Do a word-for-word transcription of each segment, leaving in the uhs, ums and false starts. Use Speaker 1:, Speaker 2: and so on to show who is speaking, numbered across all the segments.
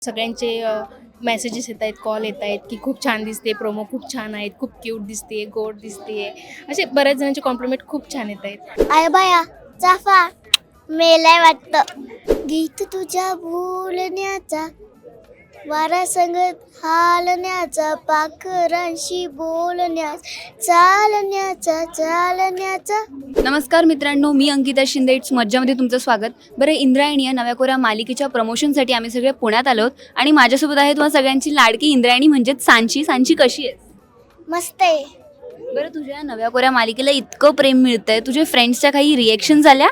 Speaker 1: सगळ्यांचे मेसेजेस येत आहेत, कॉल येत आहेत की खूप छान दिसते, प्रोमो खूप छान आहेत, खूप क्यूट दिसते, गोड दिसते, असे बऱ्याच जणांचे कॉम्प्लिमेंट खूप छान येत आहेत.
Speaker 2: आय बाया चाफा मेलाय वाटतं गीत तुझ्या बोलण्याचा वारा संगत हालण्याचा पाखरांशी बोलण्याचा चालण्याचा चालण्याचा.
Speaker 3: नमस्कार मित्रांनो, मी अंकिता शिंदे. इट्स मज्जामध्ये तुमचं स्वागत. बरं, इंद्रायणी या नव्या कोऱ्या मालिकेच्या प्रमोशनसाठी आम्ही सगळे पुण्यात आलो आहोत आणि माझ्यासोबत आहे तुम्हाला सगळ्यांची लाडकी इंद्रायणी म्हणजेच सांची. सांची कशी आहे?
Speaker 2: मस्त आहे.
Speaker 3: बरं, तुझ्या नव्या कोऱ्या मालिकेला इतकं प्रेम मिळतंय, तुझे फ्रेंड्सच्या काही रिएक्शन झाल्या?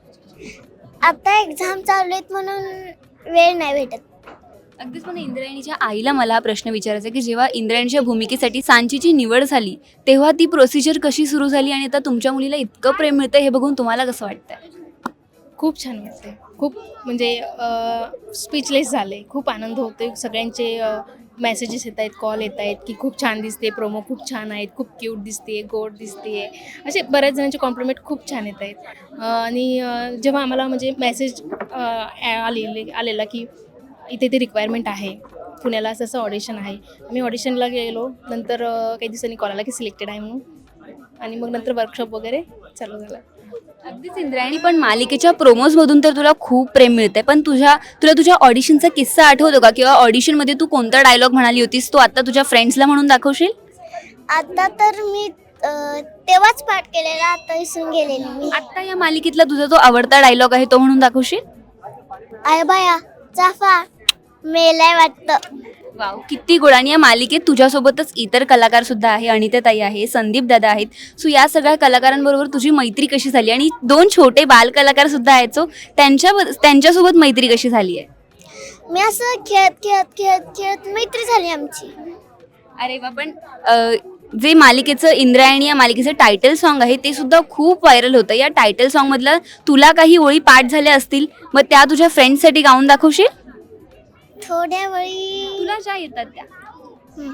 Speaker 2: आता एक्झाम चालू आहेत म्हणून वेळ नाही भेटत.
Speaker 3: अगदीच. पण इंद्रायणीच्या आईला मला हा प्रश्न विचारायचा की जेव्हा इंद्रायणीच्या भूमिकेसाठी सांचीची निवड झाली तेव्हा ती प्रोसिजर कशी सुरू झाली आणि आता तुमच्या मुलीला इतकं प्रेम मिळतं हे बघून तुम्हाला कसं वाटतंय?
Speaker 1: खूप छान वाटते, खूप म्हणजे स्पीचलेस झाले, खूप आनंद होतो. सगळ्यांचे मेसेजेस येत आहेत, कॉल येत आहेत की खूप छान दिसते, प्रोमो खूप छान आहेत, खूप क्यूट दिसते, गोड दिसते, असे बऱ्याच जणांचे कॉम्प्लिमेंट खूप छान येत आहेत. आणि अ, जेव्हा आम्हाला म्हणजे मेसेज आलेले आलेला की इथे ते रिक्वायरमेंट आहे, पुण्याला असं असं ऑडिशन आहे. आम्ही ऑडिशनला गेलो. नंतर अ, काही दिवसांनी कॉल आला की सिलेक्टेड आहे म्हणून, आणि मग नंतर वर्कशॉप वगैरे चालू झालं.
Speaker 3: अगदीच इंद्रायणी, पण मालिकेच्या प्रोमोजमधून तर तुला खूप प्रेम मिळतंय, पण तुझ्या तुला तुझ्या ऑडिशनचा किस्सा आठवतो का? किंवा ऑडिशनमध्ये तू कोणता डायलॉग म्हणाली होतीस तो आता तुझ्या फ्रेंड्सला म्हणून दाखवशील?
Speaker 2: आता तर मी अं, तेव्हाच पाठ केलेला, आता विसरून गेलेली मी.
Speaker 3: आता या मालिकेतला तुझा जो आवडता डायलॉग आहे तो म्हणून दाखवशील?
Speaker 2: आय बाया चाफा मेलाय वाटतं.
Speaker 3: वाव, किती गोड. आणि या मालिकेत तुझ्यासोबतच इतर कलाकार सुद्धा आहे. अनिताताई आहे, संदीप दादा आहेत. सो या सगळ्या कलाकारांबरोबर तुझी मैत्री कशी झाली? आणि दोन छोटे बाल कलाकार सुद्धा आहेत, सो त्यांच्या त्यांच्यासोबत मैत्री कशी झाली आहे?
Speaker 2: मी असं खेळत खेळत खेळत खेळत मैत्री झाली आमची.
Speaker 3: अरे वा. पण अ, जे मालिकेचं इंद्रायणी या मालिकेचं टायटल सॉन्ग आहे ते सुद्धा खूप व्हायरल होतं. या टायटल सॉन्गमधलं तुला काही ओळी पाठ झाल्या असतील, मग त्या तुझ्या फ्रेंड्ससाठी गाऊन दाखवशील?
Speaker 2: थोड्या वेळी
Speaker 3: तुला ज्या येतात त्या.
Speaker 2: हं.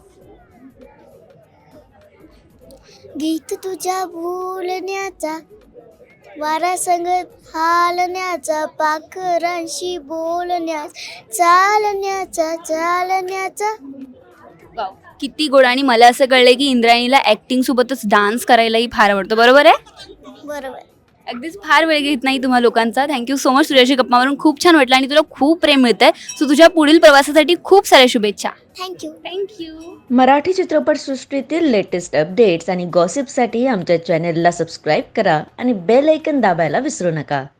Speaker 2: गीत तुझ्या बोलण्याचा वारा संगत हालण्याचा पाखरांशी बोलण्याचा चालण्याचा चालण्याचा.
Speaker 3: वाव, किती गोड. आणि मला असं कळलंय की इंद्रायणीला ऍक्टिंग सोबतच डान्स करायलाही फार आवडतं, बरोबर आहे?
Speaker 2: बरोबर.
Speaker 3: अगदीच. फार वेळ घेत नाही तुम्हा लोकांचा. Thank you so much. तुझ्याशी गप्पा मारून खूप छान वाटलं आणि तुला खूप प्रेम मिळतंय. सो तुझ्या पुढील प्रवासासाठी खूप साऱ्या शुभेच्छा.
Speaker 2: थँक्यू.
Speaker 3: थँक्यू.
Speaker 4: मराठी चित्रपटसृष्टीतील लेटेस्ट अपडेट्स आणि गॉसिपसाठी आमच्या चॅनेलला सबस्क्राईब करा आणि बेल ऐकन दाबायला विसरू नका.